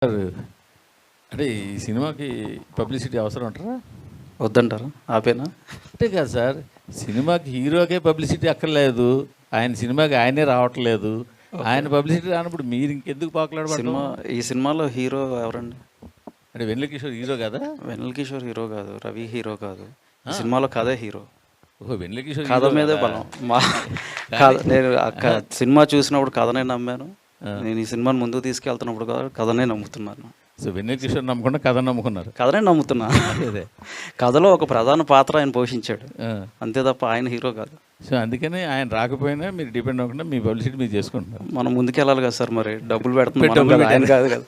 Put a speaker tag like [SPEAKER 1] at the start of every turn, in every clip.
[SPEAKER 1] Sir, అంటే ఈ సినిమాకి పబ్లిసిటీ అవసరం అంటారా?
[SPEAKER 2] వద్దంటారా? ఆపేనా?
[SPEAKER 1] అంటే కాదు సార్, సినిమాకి హీరోకే పబ్లిసిటీ అక్కర్లేదు, ఆయన సినిమాకి ఆయనే రావట్లేదు, ఆయన పబ్లిసిటీ రానప్పుడు మీరు ఇంకెందుకు పాకులాడబడ్డారు?
[SPEAKER 2] ఈ సినిమాలో హీరో ఎవరండి?
[SPEAKER 1] అంటే వెన్నెల కిషోర్ హీరో కదా?
[SPEAKER 2] వెన్నెల కిషోర్ హీరో కాదు, రవి హీరో కాదు. ఈ సినిమాలో కథే హీరో.
[SPEAKER 1] ఓహో, వెన్నెల కిషోర్
[SPEAKER 2] కథ మీదే బలం. నేను సినిమా చూసినప్పుడు కథనే నమ్మాను. నేను ఈ సినిమాని ముందుకు తీసుకెళ్తున్నప్పుడు కథనే నమ్ముతున్నాను.
[SPEAKER 1] సో వెన్నెల కిషోర్ నమ్ముకున్నా కథ నమ్ముకున్నారు?
[SPEAKER 2] కథనే నమ్ముతున్నా.
[SPEAKER 1] అదే
[SPEAKER 2] కథలో ఒక ప్రధాన పాత్ర ఆయన పోషించాడు, అంతే తప్ప ఆయన హీరో కాదు.
[SPEAKER 1] సో అందుకని ఆయన రాకపోయినా మీరు డిపెండ్ అవ్వకుండా మీ పబ్లిసిటీ మీరు చేసుకుంటున్నారు.
[SPEAKER 2] మనం ముందుకెళ్ళాలి కదా సార్, మరి డబ్బులు పెడుతున్నాం, ఆయన కాదు కదా.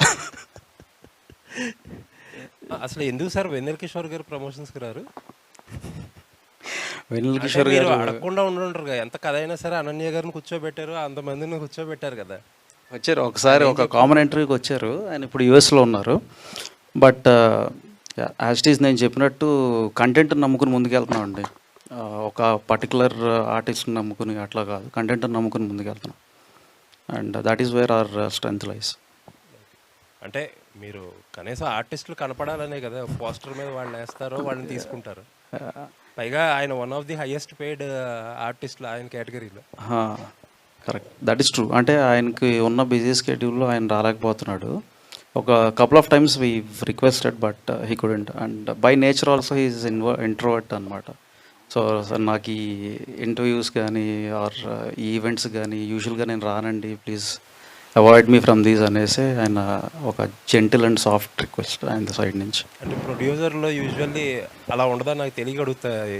[SPEAKER 3] అసలు ఎందుకు సార్ వెన్నెల కిషోర్ గారు ప్రమోషన్స్కి రారు?
[SPEAKER 2] వెన్నెల కిషోర్ గారు
[SPEAKER 3] అడగకుండా ఉండుంటారు కదా. ఎంత కథ అయినా సరే అనన్య గారిని కూర్చోబెట్టారు, అంతమందిని కూర్చోబెట్టారు కదా.
[SPEAKER 2] వచ్చారు ఒకసారి, ఒక కామెంటరీకి వచ్చారు. ఆయన ఇప్పుడు యూఎస్లో ఉన్నారు. బట్ యాజ్ ఇట్ ఈస్ నేను చెప్పినట్టు కంటెంట్ని నమ్ముకుని ముందుకెళ్తున్నాం అండి. ఒక పర్టికులర్ ఆర్టిస్ట్ని నమ్ముకుని అట్లా కాదు, కంటెంట్ని నమ్ముకుని ముందుకెళ్తున్నాం. And that is where our strength lies.
[SPEAKER 3] అంటే మీరు కనీసం ఆర్టిస్టులు కనపడాలనే కదా పోస్టర్ మీద వాళ్ళు వేస్తారో వాళ్ళని తీసుకుంటారు. పైగా ఆయన one of the highest paid ఆర్టిస్టులు ఆయన కేటగిరీలో.
[SPEAKER 2] Correct, that is true. అంటే ఆయనకి ఉన్న బిజీ స్కెడ్యూల్లో ఆయన రాలేకపోతున్నాడు. ఒక couple of times we requested but he couldn't. And by nature also he is introvert అనమాట. సో నాకు ఈ ఇంటర్వ్యూస్ కానీ ఆర్ ఈ ఈవెంట్స్ కానీ యూజువల్గా నేను రానండి, please avoid me from these అనేసి ఆయన ఒక జెంటిల్ అండ్ సాఫ్ట్ రిక్వెస్ట్ ఆయన సైడ్ నుంచి.
[SPEAKER 3] అంటే ప్రొడ్యూసర్లో యూజువల్లీ అలా ఉండదా నాకు తెలియ అడుగుతాయి.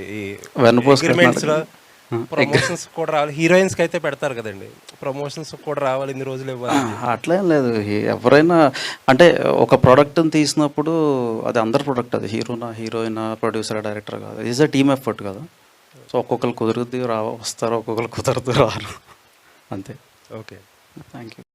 [SPEAKER 3] ప్రమోషన్స్ కూడా రావాలి, హీరోయిన్స్కి అయితే పెడతారు కదండి, ప్రమోషన్స్ కూడా రావాలి, ఇన్ని రోజులు ఇవ్వాలి.
[SPEAKER 2] అట్లేం లేదు. ఎవరైనా అంటే ఒక ప్రోడక్ట్ని తీసినప్పుడు అది అందరి ప్రోడక్ట్, అది హీరోనా హీరోయినా ప్రొడ్యూసర్ డైరెక్టర్ కాదు, ఈజ్ అ టీమ్ ఎఫర్ట్ కదా. సో ఒక్కొక్కరు కుదురుద్ది వస్తారు, ఒక్కొక్కరు కుదరదు రారు, అంతే.
[SPEAKER 3] Okay,
[SPEAKER 2] thank you.